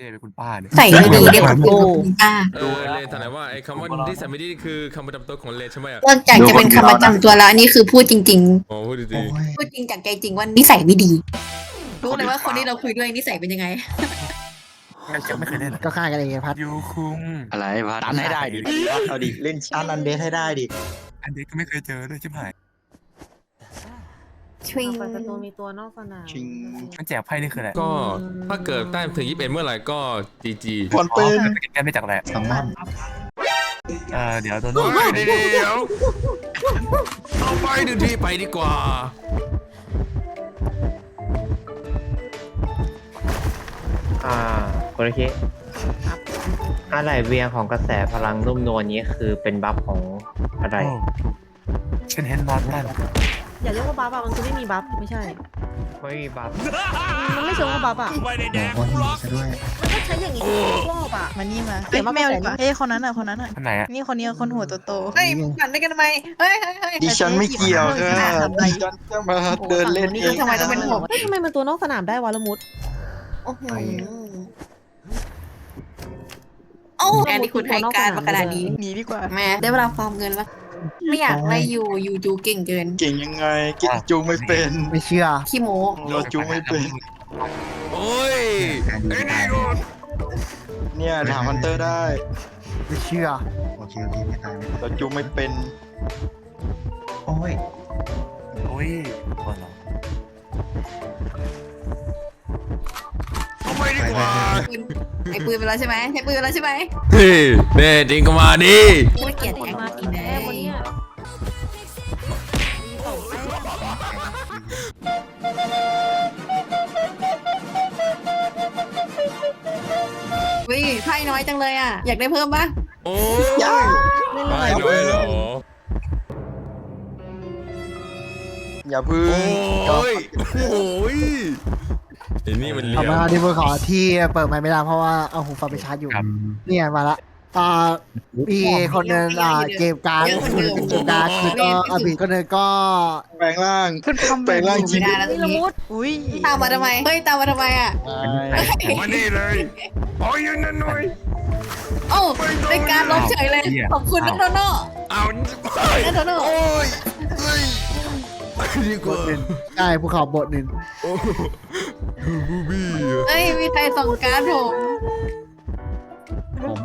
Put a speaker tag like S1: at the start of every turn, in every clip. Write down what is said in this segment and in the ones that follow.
S1: เป็นคุณป้าเนี่ย
S2: ใส่ไม่ดีเรียกว่าคุณป้า
S3: เลนถามหน่อยว่าไอ้คำว่าที่ใส่ไม่ดีคือคำประจำตัวของเลนใช่ไหมอ่ะ
S2: นอกจากจะเป็นคำประจำตัวแล้วอันนี้คือพูดจริง
S3: โอ้พูดดี
S2: ๆ พูดจริงจากใจจริงว่านิสัยไม่ดี รู้เลยว่าคนที่เราคุยด้วยนิสัยเป็นยังไง
S1: ยังไม่เคยเล่นเหรอ
S4: ก็ฆ่ากันเองไงพัด
S1: ยูคุง
S5: อะไรวะ
S6: ตันให้ได้ดิเอาดิเล่นตันอันเดทให้ได้ดิ
S1: อันนี้ก็ไม่เคยเจอด้วยชิบหาย
S2: ชวิง
S7: เปิดประตูมีตัวนอกสนาม
S6: ชิง
S1: มันแจกไพ่นี่คืออะไร
S3: ๆก็ถ้าเกิดแต้มถึง21เมื่อไหร่ก็ GG
S6: ฟอนเป็น
S1: แกไม่จากอะไร
S5: แซลมอน
S1: เดี๋ยวโดนโดน
S3: เดี๋ยวเอาไปหนึ่งทีไปดีกว่า
S8: โอเคอะไรเวียงของกระแสพลังนุ่มนวลนี้คือเป็นบัฟของอะไร
S1: ฉันเห็นนอนได้
S7: อย่าเรียกว่าบัฟอะมันคือไม่มีบัฟไม่ใช่
S8: ไม่มีบัฟ
S7: มันไม่เชิงว่าบัฟอะ
S5: หัวคนนี้ซะด้วย
S7: มันก็ใช้อย่างนี้รอบอะ
S9: มานี่มา
S7: เสียมาก
S9: แมว
S7: กว่า
S9: ดีกว่า
S7: แสน
S9: เฮ้ยคนนั้นอ่ะคนนั้นอ่ะ
S1: อันไหนอะ
S9: นี่คนนี้คนหัวโต
S2: เฮ้ยปั่นด้วยกันทำไม เฮ้ยเฮ้ยเฮ้ย
S6: ดิฉันไม่เกี่ยวค่ะดิฉันจะมาเดินเล่นเอง
S2: ทำไมต้องเป็นผม
S7: เฮ้ยทำไมมันตัวนอกสนามได้วะละมุด
S2: โอ้โหโอ้แอนนี่คุณให้การมาขนาดนี้
S9: ๆหนีดีกว่า
S2: แม่ได้เวลาฟอร์มเงินแล้ว ไม่อยากไล่อยู่จูเก่งเกิน
S6: เก่งยังไงเก่งจูไม่เป็น
S4: ไม่เชื่อ
S2: ขี้โม้
S6: เราจูไม่เป็น
S3: โอ้ย
S5: การดูตาย
S6: เนี่ยถามฮันเตอร์ได้
S4: ไม่เชื่อ
S5: โอเคโอเคไม่ตายไม่ตาย
S6: เราจูไม่เป็น
S5: โอ้ย
S1: โอ้ยบอลเหรอ
S3: เอาไปดีกว่า
S2: ปืนไอ้ปืนไปแล้วใช่ไหมใช้ปืนไปแล้วใช่ไหม
S3: เฮ้ยแน่จริงก็มาดิ
S2: ไม่เกลียดแอค
S7: มา
S2: อี
S7: อี
S2: ก
S7: ก
S2: แน่
S7: แน่วันเนี้ยมีสองแต้ม
S2: วิไพ่น้อยจังเลยอ่ะ อยากได้เพิ่มปะ
S3: โอ้ย
S7: เล่น
S3: ไม่
S7: เลย
S3: ด้วยเหรอ
S6: อย่าพึ่ง
S3: โอ้ยโอ้ยไอ้นี่มันเหลี่
S4: เอา
S3: ยม
S4: มาที่มือขอที่เปิดไมค์ไม่ได้เพราะว่าเอาหูฟังไปชาร์จอยู่ เนี่ยมาละมีคนหนึงเกมการ์ดเกมการ์ดคือก็บีคนหนึงก็
S6: แปลงร่าง
S9: ขึ้นคอม
S6: แปลงร่างจริ
S2: ไม่
S6: ง
S2: ได้แล้วตร
S7: นี่
S2: ง
S7: ละ
S2: นี้
S7: มุด
S9: อุ้ย
S2: ตามมาทำไม เฮ้ยตามมาทำไมอ่ะ
S3: มานี่เลยโอ้ยนั่นหน่อย
S2: โอ้ได้การล้มเฉยเลย ขอบคุณนักโนโน่
S3: เอา
S2: นักโนโน่
S3: โอ้ยเฮ้ยดีกว่า
S4: ใช่ภูเขาบทหนึ่ง
S3: โอ้บูบี้
S2: เอ้ยมีใครส่งการ์ดผม
S5: ผม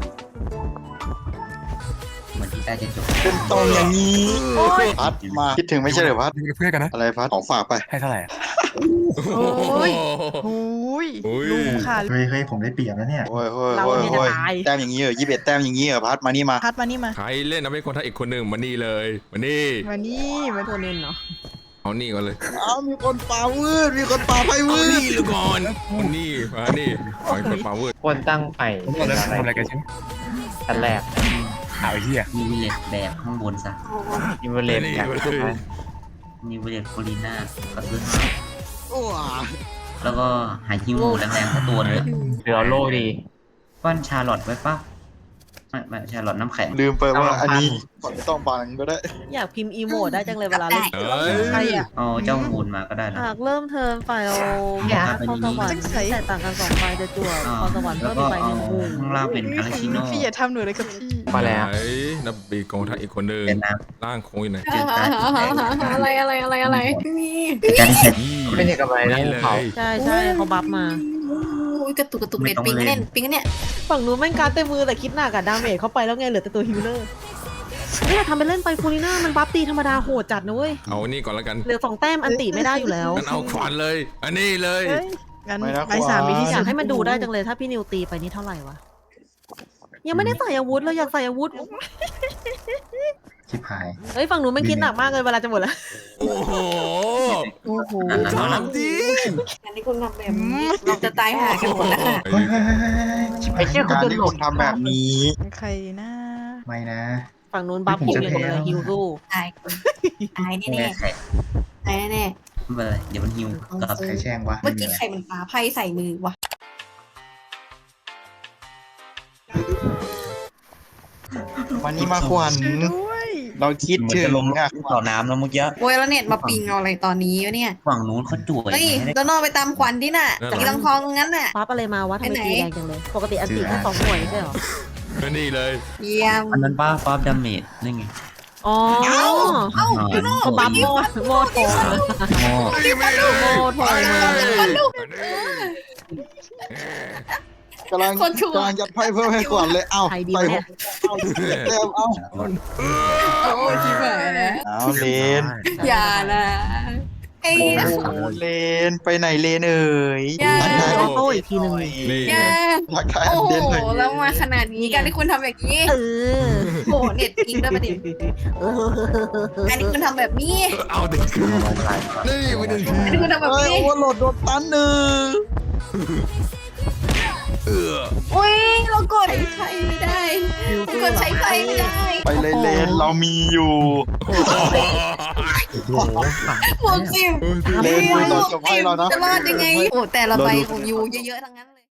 S5: เหมือนที่ใต้จะจบ
S6: เป็นตรงอย่างนี้พัดมาคิดถึงไม่ใช่เหรอพัด
S1: อยู่เป็นเพื่อนกันนะ
S6: อะไรพัดของฝากไป
S1: ให้เท่าไหร่อะ
S3: โอ้ย
S9: อุ้ย
S3: อุ้ย
S9: ลุงค่ะ
S5: เฮ้ยเฮ้ยผมได้เปรียบแล้วเนี่ย
S6: โอ้ยโอ้ย
S7: เรา
S6: โอ้ย
S7: เนี่ยจะ
S6: โอ้ย
S7: ตาย
S6: แต้มอย่างนี้เหรอ21 แต้มอย่างนี้เหรอพัดมานี่มา
S9: พัดมานี่มา
S3: ใครเล่นนะไม่คนไทยอีกคนหนึ่งมานี่เลยมานี่
S9: มานี่มา
S7: ตัวเน้นเนาะ
S3: เอานี่ก่อนเลย
S6: อ้าวมีคนปามืดมีคนปาไพ่
S3: เอา
S6: มืด
S3: นี่เลยก่อนมานี่มานี่ขอให้คนปาเวอร์
S8: ควรตั้งไป
S1: ผมบอกแล้วทำอะไรกันใช่ไหม
S8: อันแรก
S1: หาไอ้เหี้ย
S5: นิวเลตแบบข้างบนซะ
S8: อิมเวเลน
S3: นี่
S8: จาก
S3: เลย
S5: นิวเลตโคลีน่าก็คือ
S6: โอ้ย
S5: แล้วก็หาฮิวแรงๆสักตัวเลย
S8: เหลือโลดี
S5: ป้อนชาร์ลอตไว้ป่ะไม่ชาร์ลอตน้ำแข็ง
S6: ลืมไปว่าอันนี้ไม่ต้องบังก็ได้
S7: อยากพิมพ์อีโมดได้จังเลยเวลาเล่น
S3: เอ้ย
S9: ใครอ่ะ
S5: เอาเจ้ามูลมาก็ได้นะ
S7: หากเริ่มเทิร์นฝ่ายเราเข้าสวรรค์แต่ต่างกัน2ฝ่ายจะจั่วพอสวรรค์
S5: แล้
S7: เพิ่
S5: ว
S7: ม
S5: ก็
S7: อีกใบห
S5: เอา
S7: นึ่งหมู่
S5: ข้างล่างเป็นอาราชิโน่
S9: พี่อย่าทำหนูเลยกับพี่
S8: มาแล้ว
S3: ไหนนับบีกองทัพอีกคนหนึ่ง
S5: เป็นน้
S3: ร่างโค้งอยู่ไหน
S5: ำเจอการ
S2: อะไรไม่มี
S5: การที่ใช้
S8: ไม่ใช่กำไรนะ
S3: นี่
S8: ภู
S3: เลย
S8: เขา
S7: ใช่ใช่เขาบัฟมา
S2: กระตุกเน็ตปิงกันเนี่ย
S7: ฝั่งนู้นแม่งการดเต็มมือแต่คิดหนักกับดาเมจเข้าไปแล้วไงเหลือแต่ตัวฮิลเลอร์เฮ้ยเราทำไปเล่นไปฟูลิน่ามันบัฟตีธรรมดาโหดจัดนะเว้ย
S3: เอานี่ก่อนแล้วกัน
S7: เหลือ2 แต้มอันติไม่ได้อยู่แล้ว
S3: งั้นเอาขวานเลย อันนี้เลย
S9: เฮ้ยงั้นใบสามมีที่
S7: อ
S9: สุ
S7: ยาก
S9: ด
S7: ให้มันดูได้จังเลยถ้าพี่นิวตีไปนี่เท่าไหร่วะ ยังไม่ได้ใส่อาวุธเลยอยากใส่อาวุธ
S5: ชิบหาย
S7: เฮ้ยฝั่งนู้นไม่คิดหนักมากเลยเวลาจะหมดแล้ว
S3: โอ้โห
S9: โอ้โห
S3: ถามจริง
S2: อันนี้คุณทำแบบนี้เราจะตายหากันหมดแล้ว
S5: เฮ้ยเฮ้ยเฮ้ยเฮ้ยชิบหาย
S6: การที่คุณทำแบบนี้
S9: ใครนะ
S5: ไม่นะ
S7: ฝั่งนู้นบัฟฮิวอย่างเดียวเลยฮิวสู้
S2: ตายแน่
S5: แม่ใคร
S2: ตายแน่
S5: ไม่เป็นไรเดี๋ยวมันฮิวกับใครแช่งวะ
S2: เมื่อกี้ใครมันปาไพ่ใส่มือวะ
S6: วันนี้มาขวัญ
S9: ช่วยด้วย
S6: เราคิด
S10: เหมือน
S6: ถึง
S10: จะลง
S6: อ่ะ
S10: ต่อน้ำแล้วเมื่อกี้
S2: โอ้ยแล้วเน็ตมาปิงเอาอะไรตอนนี้วะเนี่ย
S10: ฝั่งนู้นเขาจ่วย
S2: เฮ้ย
S10: ไม่ได้
S2: โดนอไปตามควันที่น่ะอีทองงั้นน่ะ
S7: ปั๊บอะไรมาวะทำไม
S2: ไปไหน
S7: ตีแรงจังเลย ปกติอันตีแค่2 หน่วยไม่ใช่เหรอ
S3: นี่เลย
S2: เยี่ยม
S10: อันนั้นป้าฟ้าดาเมจนี่ไง
S7: อ๋อ เขาปั๊บโมดโทร
S10: โอ้
S3: ไม่ได้
S7: โมดโทรมา
S6: กำลังยัดไพ่เพิ่มให้ก่อนเลยเอ้า
S7: ใครดี
S6: ไป
S7: วะเนี่ย
S6: เต็มเอ้า
S2: โอ้ยชิบหายนะ
S6: เอาเลน
S2: อย่านะไอ้
S6: โอ้โหเลนไปไหนเลนเอ่ย
S2: อย่า
S7: ออโต้อีกทีหนึ่ง
S3: นี่
S2: อย่า
S6: ทักทาย
S2: โอ้
S6: อัน
S2: โห
S6: เด่นหน่อย
S2: แล้วมาขนาดนี้การที่คุณทำแบบนี้
S7: เออ
S2: โอ้โหเน็ตปิงด้วยประเด็นอันนี้คุณทำแบบนี้
S3: เอาดินี่ไปหนึ่งที
S2: อันนี้คุณทำแบบ
S6: เฮ้ย
S2: นี้
S6: โอเวอร์โหลดโดนตันหนึ่ง
S2: อุ้ยเรากดใช้ไม่ได้กดใช้ไฟไม่ได้
S6: ไปเลยเลนเรามีอยู่
S2: 60
S6: เลนดูตอนจบให้เรานะ
S2: จะรอดยังไงโอ้แต่ละใบของยูเยอะๆทั้งนั้นเลย